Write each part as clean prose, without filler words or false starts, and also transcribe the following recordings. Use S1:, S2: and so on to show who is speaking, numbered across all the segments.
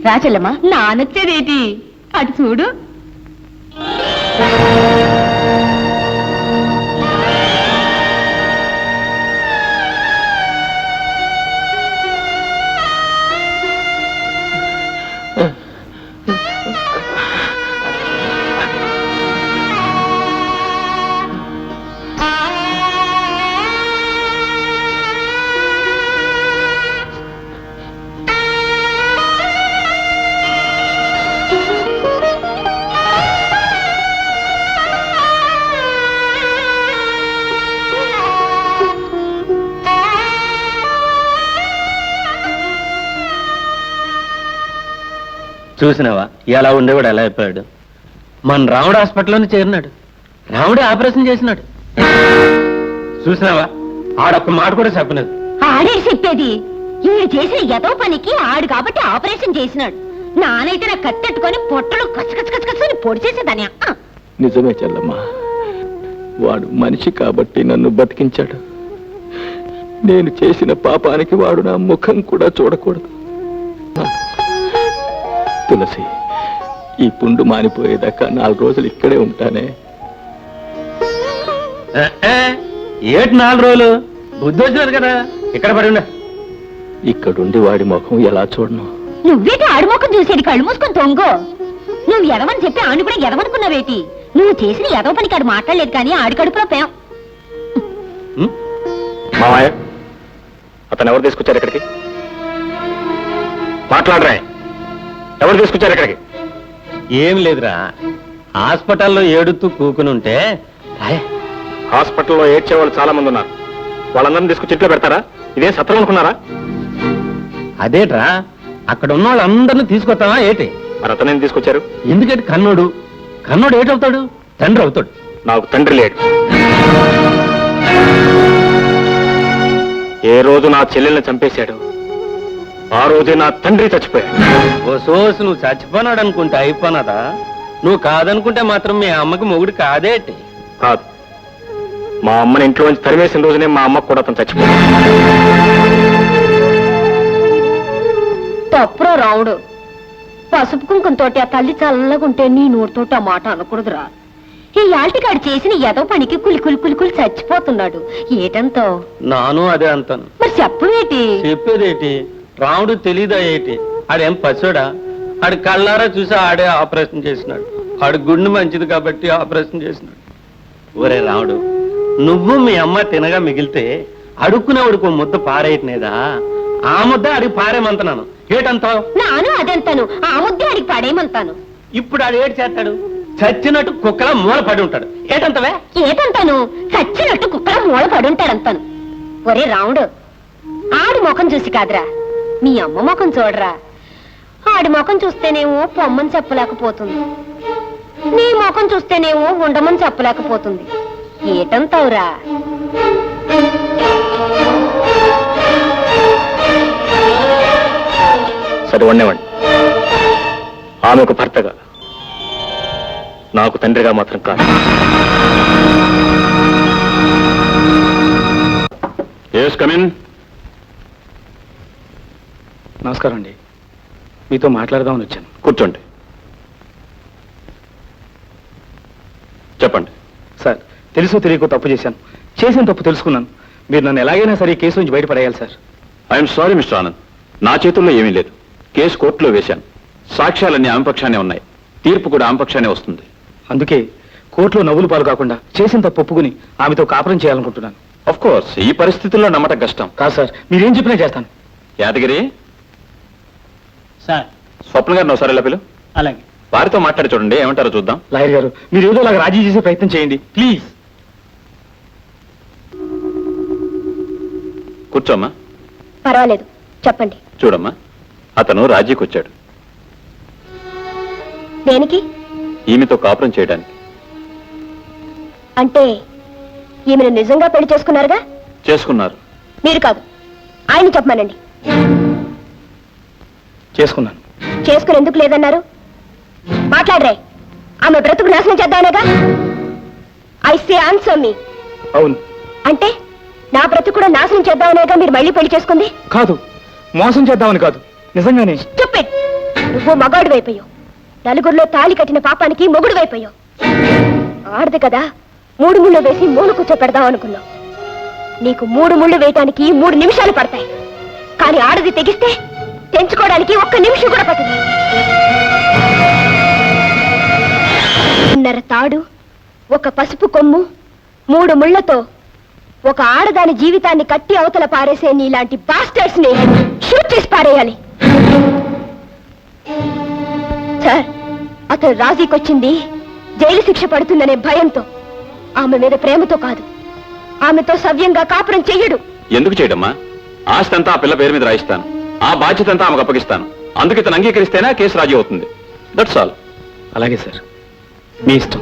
S1: రాచెల్లమ్మా నానొచ్చేదేటి అటు చూడు.
S2: చూసినావా ఎలా ఉండేవాడు ఎలా అయిపోయాడు. మన రాముడు హాస్పిటల్లోనే చేరినాడు, రాముడే ఆపరేషన్ చేసినాడు. చూసినావా ఆడొక్క మాట కూడా చెప్పలేదు.
S1: ఆడే చెప్పేది ఈడు చేసిన ఎదో పనికి ఆడు కాబట్టి ఆపరేషన్ చేసినాడు. నానైతే నా కత్తెట్టుకొని పొట్టలు కచ్చకచ్చకచ్చని పొడి చేసేదాని.
S3: నిజమే చెల్లమ్మా, వాడు మనిషి కాబట్టి నన్ను బతికించాడు. నేను చేసిన పాపానికి వాడు నా ముఖం కూడా చూడకూడదు. తులసి, ఈ పుండు మానిపోయేదాకా 4 రోజులు ఇక్కడే ఉంటానే.
S2: ఏటి 4 రోజులు? బుద్ధి వచ్చినారు కదా, ఇక్కడ పడి ఉండ.
S3: ఇక్కడుండి వాడి ముఖం ఎలా చూడను?
S1: నువ్వేటి ఆడి ముఖం చూసేది? కళ్ళు మూసుకొని తొంగో. నువ్వు ఎదవని చెప్పి ఆడు కూడా ఎదవనుకున్నావేటి? నువ్వు చేసిన ఎదవ పనికి ఆడు మాట్లాడలేదు కానీ ఆడి కడుపులో పేం.
S3: మామయ్య, అతను ఎవరు తీసుకొచ్చారు ఇక్కడికి? మాట్లాడరా, ఎవరు తీసుకొచ్చారు ఇక్కడికి?
S2: ఏం లేదురా, హాస్పిటల్లో ఏడుతూ కూకుని ఉంటే.
S3: హాస్పిటల్లో ఏడ్చే వాళ్ళు చాలా మంది ఉన్నారు. వాళ్ళందరినీ తీసుకొచ్చి ఇంట్లో పెడతారా? ఇదే సత్రం అనుకున్నారా?
S2: అదేట్రా, అక్కడ ఉన్న వాళ్ళందరినీ తీసుకొస్తావా ఏటి?
S3: మరి అతనేం తీసుకొచ్చారు?
S2: ఎందుకంటే కన్నోడు ఏటవుతాడు? తండ్రి అవుతాడు.
S3: నాకు తండ్రి లేడు. ఏ రోజు నా చెల్లెల్ని చంపేశాడు ఆ రోజే నా తండ్రి చచ్చిపోయాడు.
S2: ఓ సోసు, నువ్వు చచ్చిపోనాడు అనుకుంటే అయిపోనాదా? నువ్వు కాదనుకుంటే మాత్రం మీ అమ్మకి మొగుడు కాదేటి?
S3: కాదు, మా అమ్మని ఇంట్లో నుంచి తరిమేసిన రోజునే మా అమ్మకు కూడా అతను చచ్చిపోయాడు.
S1: తప్పురా రావుడు. పసుపు కుంకంతోటి ఆ తల్లి చల్లగుంటే నీ నోటితోటి ఆ మాట అనకూడదురా. ఈ యాల్టికాడు చేసిన ఎదో పనికి కులి చచ్చిపోతున్నాడు. ఏటంతో
S2: నాను అదే అంటాను.
S1: మరి చెప్పవేటి?
S2: చెప్పేదేటి? రాముడు తెలీదా ఏటి? ఆడేం పశుడా? ఆడి కళ్ళారా చూసి ఆడే ఆపరేషన్ చేసినాడు. ఆడి గుండె మంచిది కాబట్టి ఆపరేషన్ చేసినాడు. ఒరే రాముడు, నువ్వు మీ అమ్మ తినగా మిగిలితే అడుక్కునేవాడికి ముద్ద పారేయట్లేదా? ఆ ముద్ద అడిగి పారేమంటున్నాను. ఏటంతావు?
S1: నాను అదంతాను, ఆ ముద్ద అడిగి పడేయమంతాను.
S2: ఇప్పుడు ఆడు ఏడు చేస్తాడు? చచ్చినట్టు కుక్కలా మూల పడి ఉంటాడు. ఏటంతవే?
S1: ఏటంతాను? చచ్చినట్టు కుక్కలా మూల పడి ఉంటాడంతాను. ఒరే రాముడు, ఆడి ముఖం చూసి కాదురా, మీ అమ్మ ముఖం చూడరా. ఆడి ముఖం చూస్తేనేమో పొమ్మని చెప్పలేకపోతుంది, నీ ముఖం చూస్తేనేమో ఉండమని చెప్పలేకపోతుంది. ఏటంతావురా?
S3: సరే వండేవాడి, ఆమె ఒక భర్తగా, నాకు తండ్రిగా మాత్రం కాదు. Yes come in. నమస్కారం అండి, మీతో మాట్లాడదామని వచ్చాను. కూర్చోండి. చెప్పండి. సార్, తెలుసో తెలియకో తప్పు చేశాను. చేసిన తప్పు తెలుసుకున్నాను. మీరు నన్ను ఎలాగైనా సరే ఈ కేసు నుంచి బయటపడేయాలి sir. I'm sorry mister Anand, నా చేతుల్లో ఏమీ లేదు. కేసు కోర్టులో వేశాను. సాక్ష్యాలన్నీ ఆమె పక్షానే ఉన్నాయి. తీర్పు కూడా ఆమె పక్షానే వస్తుంది. అందుకే కోర్టులో నవ్వులు పాలు కాకుండా చేసిన తప్పు ఒప్పుకుని ఆమెతో కాపురం చేయాలనుకుంటున్నాను. ఆఫ్ కోర్స్, ఈ పరిస్థితుల్లో నమ్మటం కష్టం. కాదు సార్, మీరేం చెప్పినా చేస్తాను. యాదగిరి
S4: సార్.
S3: స్వప్న గారిని ఒకసారి ఇలా పిలు.
S4: అలాగే.
S3: వారితో మాట్లాడి చూడండి, ఏమంటారో చూద్దాం.
S4: లాయర్ గారు, మీరు ఏదో లాగా రాజీ చేసే ప్రయత్నం చేయండి ప్లీజ్.
S3: కూర్చోమ్మా.
S1: పర్వాలేదు, చెప్పండి.
S3: చూడమ్మా, అతను రాజీకి వచ్చాడు.
S1: దేనికి?
S3: ఈమెతో కాపురం చేయడానికి.
S1: అంటే ఈమెను నిజంగా పెళ్లి చేసుకున్నారుగా?
S3: చేసుకున్నారు.
S1: మీరు కాదు, ఆయన చెప్పమనండి.
S4: చేసుకున్నాను.
S1: చేసుకుని ఎందుకు లేదన్నారు? మాట్లాడరే. ఆమె బ్రతుకు నాశనం చేద్దామనేగా? ఐ సే ఆన్సర్ మీ.
S4: అవును.
S1: అంటే నా బ్రతుకు కూడా నాశనం చేద్దామనేగా మీరు మళ్ళీ పెళ్లి చేసుకుంది?
S4: కాదు, మోసం చేద్దామని కాదు, నిజంగానే.
S1: స్టూపిడ్. నువ్వు మగాడు వైపోయావు. నలుగురిలో తాళి కట్టిన పాపానికి మొగుడు వైపోయావు. ఆడదు కదా 3 ముళ్ళు వేసి మూల కూర్చోపెడదాం అనుకున్నావు. నీకు 3 ముళ్ళు వేయటానికి 3 నిమిషాలు పడతాయి. కానీ ఆడది తెగిస్తే తెంచుకోవడానికి 1 నిమిషం కూడా పట్టదు. 1.5 తాడు, 1 పసుపు కొమ్ము, 3 ముళ్లతో ఒక ఆడదాని జీవితాన్ని కట్టి అవతల పారేసే నీలాంటి బాస్టర్స్ ని షూట్ చేసి పారేయాలి. సార్, అతను రాజీకొచ్చింది జైలు శిక్ష పడుతుందనే భయంతో, ఆమె మీద ప్రేమతో కాదు. ఆమెతో సవ్యంగా కాపురం చెయ్యడు.
S3: ఎందుకు చేయడమ్మా? ఆస్తి అంతా ఆ పిల్ల పేరు మీద రాయిస్తాను. ఆ బాధ్యత అంతా ఆమెకు అప్పగిస్తాను. అందుకు ఇతను అంగీకరిస్తేనే కేసు రాజీ అవుతుంది. That's all.
S4: అలాగే సార్, మీ ఇష్టం.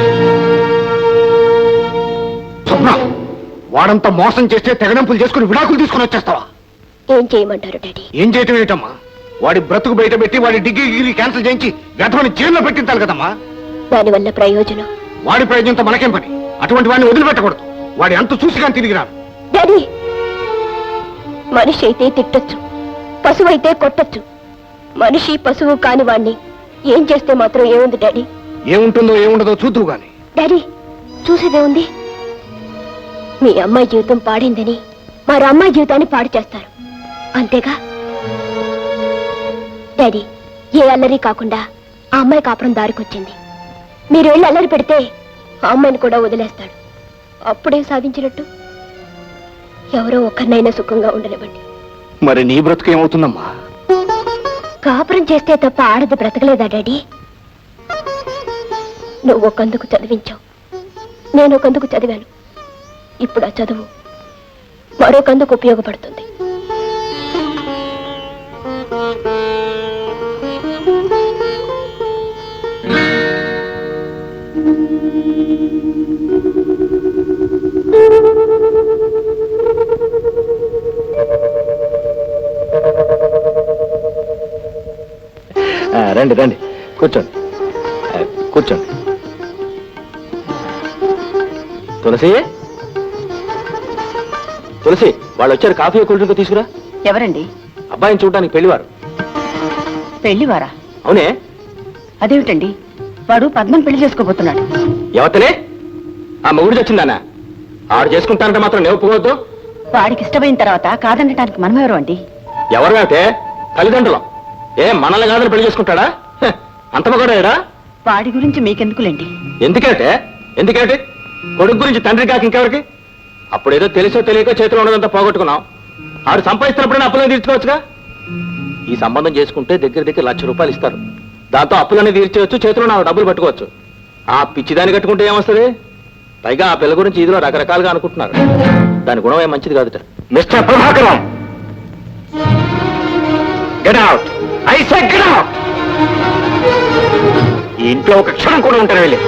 S5: స్వప్న, వాడంతా మోసం చేస్తే తెగడంపులు చేసుకుని విడాకులు తీసుకుని వచ్చేస్తావా?
S1: ఏం చేయమంటారు డాడీ?
S5: ఏం చేయటం ఏంటమ్మా? వాడి బ్రతుకు బయట పెట్టి వాడి డిగ్రీ క్యాన్సిల్ చేయించి గతమని జైల్లో పెట్టించాలి కదమ్మా.
S1: దానివల్ల ప్రయోజనం?
S5: వాడి ప్రయోజనంతో మనకేం పని? అటువంటి వాడిని వదిలిపెట్టకూడదు. వాడి అంత చూసి కానీ తిరిగి రాను.
S1: డాడీ, మనిషి అయితే తిట్టొచ్చు, పశువు అయితే కొట్టొచ్చు. మనిషి పశువు కాని వాణ్ణి ఏం చేస్తే మాత్రం ఏముంది డాడీ?
S5: ఏముంటుందో ఏముండదో చూద్దువు గాని.
S1: డాడీ, చూసేదే ఉంది. మీ అమ్మాయి జీవితం పాడిందని మరో అమ్మాయి జీవితాన్ని పాడు చేస్తారు, అంతేగా? డాడీ, ఏ అల్లరి కాకుండా ఆ అమ్మాయి కాపురం దారికొచ్చింది. మీరు వెళ్ళి అల్లరి పెడితే ఆ అమ్మాయిని కూడా వదిలేస్తాడు. అప్పుడేం సాధించినట్టు? ఎవరో ఒక్కరినైనా సుఖంగా ఉండనివ్వండి.
S5: మరి నీ బ్రతుకు ఏమవుతుందమ్మా?
S1: కాపురం చేస్తే తప్ప ఆడది బ్రతకలేదా డాడీ? నువ్వు ఒకందుకు చదివించావు, నేను ఒకందుకు చదివాను. ఇప్పుడు ఆ చదువు మరొకందుకు ఉపయోగపడుతుంది.
S3: రండి రండి, కూర్చోండి కూర్చోండి. తులసి, తులసి, వాళ్ళు వచ్చారు. కాఫీ కూల్ డ్రింక్ తీసుకురా.
S6: ఎవరండి?
S3: అబ్బాయిని చూడడానికి పెళ్లివారు.
S6: పెళ్లివారా?
S3: అవునే.
S6: అదేమిటండి, వాడు పద్మని పెళ్లి చేసుకోబోతున్నాడు.
S3: ఎవతనే? ఆ మొగుడు వచ్చిందానా? ఆడు చేసుకుంటానంటే మాత్రం నేను ఒప్పుకోవద్దు.
S6: వాడికి ఇష్టమైన తర్వాత కాదనటానికి మనమెవరు అండి?
S3: ఎవరు అంటే? తల్లిదండ్రులం. మనల్ని కాదని పెళ్లి చేసుకుంటాడా? అంత మగడా?
S6: వాడి గురించి మీకెందుకులేండి.
S3: ఎందుకంటే ఎందుకంటే కొడుకు గురించి తండ్రి కాక ఇంకెవరికి? అప్పుడేదో తెలుసో తెలియకో చేతిలో ఉన్నదంతా పోగొట్టుకున్నాం. ఆడు సంపాదిస్తున్నప్పుడైనా అప్పులను తీర్చుకోవచ్చుగా. ఈ సంబంధం చేసుకుంటే దగ్గర దగ్గర ₹1,00,000 ఇస్తారు. దాంతో అప్పులన్నీ తీర్చవచ్చు, చేతిలో నా డబ్బులు పట్టుకోవచ్చు. ఆ పిచ్చిదాన్ని కట్టుకుంటే ఏమొస్తుంది? పైగా ఆ పిల్ల గురించి ఇదిలో రకరకాలుగా అనుకుంటున్నారు. దాని గుణం ఏం మంచిది కాదుట.
S5: Mister Prabhakaram, get out. I say get out. ఈ ఇంట్లో ఒక క్షణం కూడా ఉంటారు. వెళ్ళి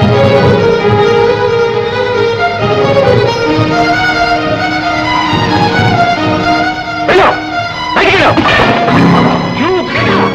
S5: వెళ్ళు, బయటికి వెళ్ళు. You get out.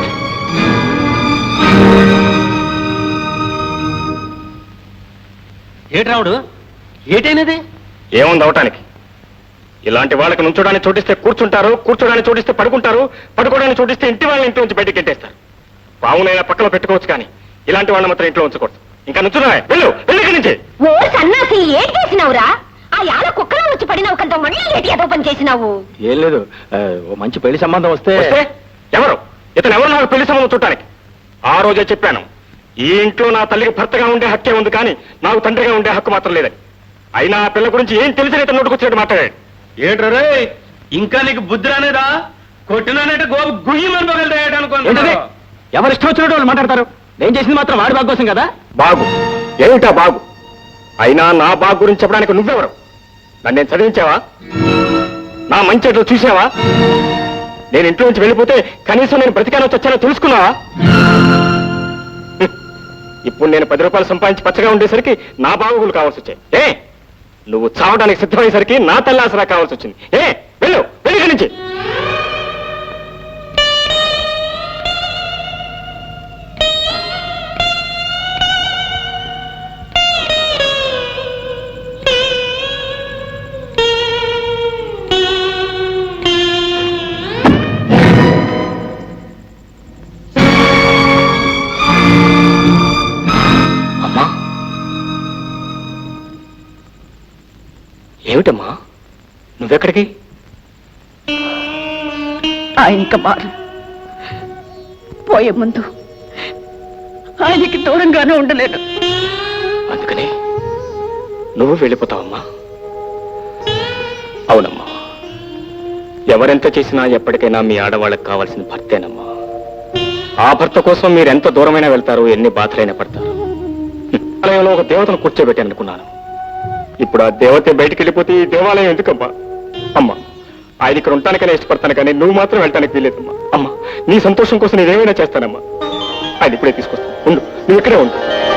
S2: ఏటి రావుడు, ఏటైనది?
S5: ఏముంది అవటానికి? ఇలాంటి వాళ్ళకి నుంచోడానికి చోటిస్తే కూర్చుంటారు, కూర్చోడానికి చోటిస్తే పడుకుంటారు, పడుకోవడానికి చోటిస్తే ఇంటి వాళ్ళని ఇంట్లో నుంచి బయటికి గెంటేస్తారు. పావునైనా పక్కలో పెట్టుకోవచ్చు, కానీ ఇలాంటి వాళ్ళని మాత్రం ఇంట్లో ఉంచకూడదు. ఇంకా నుంచున్నా, వెళ్ళు, వెళ్ళి ఇక్కడి నుంచి.
S1: ఓ సన్నాసి, ఏం చేసినావురా? ఆ యాల కుక్కలో వచ్చి పడినావు కదా, మళ్ళీ ఏటి ఏదో పని చేసినావు?
S3: ఏం లేదు, ఓ మంచి పెళ్లి సంబంధం వస్తే.
S5: ఎవరు ఇతను? ఎవరు నాకు పెళ్లి సంబంధం చూడటానికి? ఆ రోజే చెప్పాను, ఈ ఇంట్లో నా తల్లికి భర్తగా ఉండే హక్కే ఉంది, కానీ నాకు తండ్రిగా ఉండే హక్కు మాత్రం లేదని. అయినా ఆ పిల్ల గురించి ఏం తెలిసి ఇతను నోటుకొచ్చినట్టు మాట్లాడాడు.
S2: ఏంట్రే, ఇంకా నీకు బుద్ధి రానేదా? కొట్టినానంటే గోపు గుయ్యమని పగలటాయనుకో.
S3: ఎవరు ఇష్టం వచ్చినట్టు వాళ్ళు మాట్లాడతారు. నేను చేసింది మాత్రం వాడి బాగు కోసం కదా.
S5: బాగు ఏమిటా బాగు? అయినా నా బాగు గురించి చెప్పడానికి నువ్వెవరు? నన్ను నేను చదివించావా? నా మంచి చెట్లు చూసావా? నేను ఇంట్లో నుంచి వెళ్ళిపోతే కనీసం నేను బ్రతికానో చచ్చానో తెలుసుకున్నావా? ఇప్పుడు నేను ₹10 సంపాదించి పచ్చగా ఉండేసరికి నా బాగులు కావాల్సి వచ్చాయి. నువ్వు చావడానికి సిద్ధమయ్యేసరికి నా తల్లి ఆసరా కావాల్సి వచ్చింది. వెళ్ళు, వెళ్ళి నుంచి. ఏమిటమ్మా నువ్వెక్కడికి?
S6: ఆయన ఇంకా మారు పోయే ముందు ఆయనకి దూరంగానే ఉండలేను.
S5: అందుకని నువ్వు వెళ్ళిపోతావమ్మా? అవునమ్మా, ఎవరెంత చేసినా ఎప్పటికైనా మీ ఆడవాళ్ళకి కావాల్సిన భర్తేనమ్మా. ఆ భర్త కోసం మీరు ఎంత దూరమైనా వెళ్తారు, ఎన్ని బాధలైనా పడతారు. ఆలయంలో ఒక దేవతను కూర్చోబెట్టాననుకున్నాను. ఇప్పుడు ఆ దేవత బయటికి వెళ్ళిపోతే ఈ దేవాలయం ఎందుకమ్మా? అమ్మా, ఆయన ఇక్కడ ఉండటానికైనా ఇష్టపడతాను, కానీ నువ్వు మాత్రం వెళ్ళటానికి వీలేదమ్మా. అమ్మా, నీ సంతోషం కోసం నేనేమైనా చేస్తానమ్మా. ఆయన ఇప్పుడే తీసుకొస్తాను, ఉండు, నువ్వు ఇక్కడే ఉండు.